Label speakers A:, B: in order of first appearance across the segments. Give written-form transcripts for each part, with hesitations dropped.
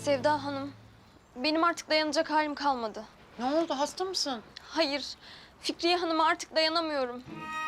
A: Sevda Hanım, benim artık dayanacak halim kalmadı.
B: Ne oldu, hasta mısın?
A: Hayır, Fikriye Hanım'a artık dayanamıyorum.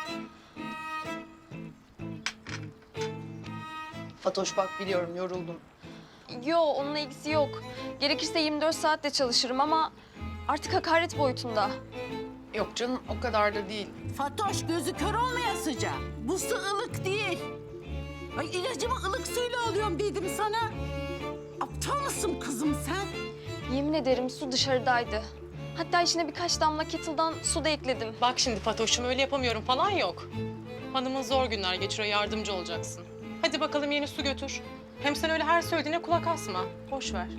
B: Fatoş bak biliyorum yoruldum.
A: Yo, onunla ilgisi yok. Gerekirse 24 saat de çalışırım ama artık hakaret boyutunda.
B: Yok canım o kadar da değil.
C: Fatoş gözü kör olmayasıca. Bu su ılık değil. Ay ilacımı ılık suyla alıyorum dedim sana. Aptal mısın kızım sen?
A: Yemin ederim su dışarıdaydı. Hatta içine birkaç damla kettle'dan su da ekledim.
D: Bak şimdi Fatoş'um öyle yapamıyorum falan yok. Hanımın zor günler geçiriyor, yardımcı olacaksın. Hadi bakalım yeni su götür. Hem sen öyle her söylediğine kulak asma. Boş ver.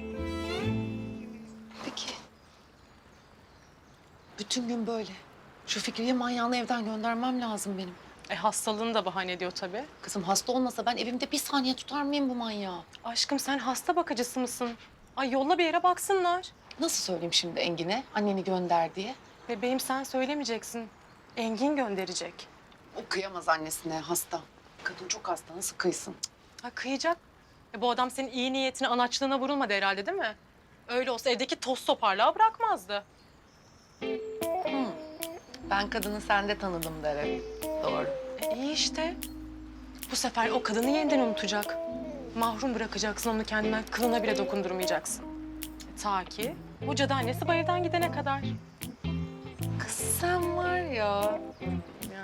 B: Peki. Bütün gün böyle. Şu Fikriye manyağını evden göndermem lazım benim.
D: Hastalığını da bahane ediyor tabii.
B: Kızım hasta olmasa ben evimde bir saniye tutar mıyım bu manyağı?
D: Aşkım sen hasta bakıcısı mısın? Ay yolla bir yere baksınlar.
B: Nasıl söyleyeyim şimdi Engin'e anneni gönder diye?
D: Bebeğim sen söylemeyeceksin. Engin gönderecek.
B: O kıyamaz annesine hasta. Kadın çok hasta nasıl kıysın?
D: Ha kıyacak. Bu adam senin iyi niyetine, anaçlığına vurulmadı herhalde değil mi? Öyle olsa evdeki toz toparlığa bırakmazdı.
B: Ben kadını sende tanıdım derim. Doğru.
D: İyi işte. Bu sefer o kadını yeniden unutacak. Mahrum bırakacaksın onu kendinden, kılına bile dokundurmayacaksın. Ta ki bu cadı annesi bu evden gidene kadar.
B: Kız sen var ya.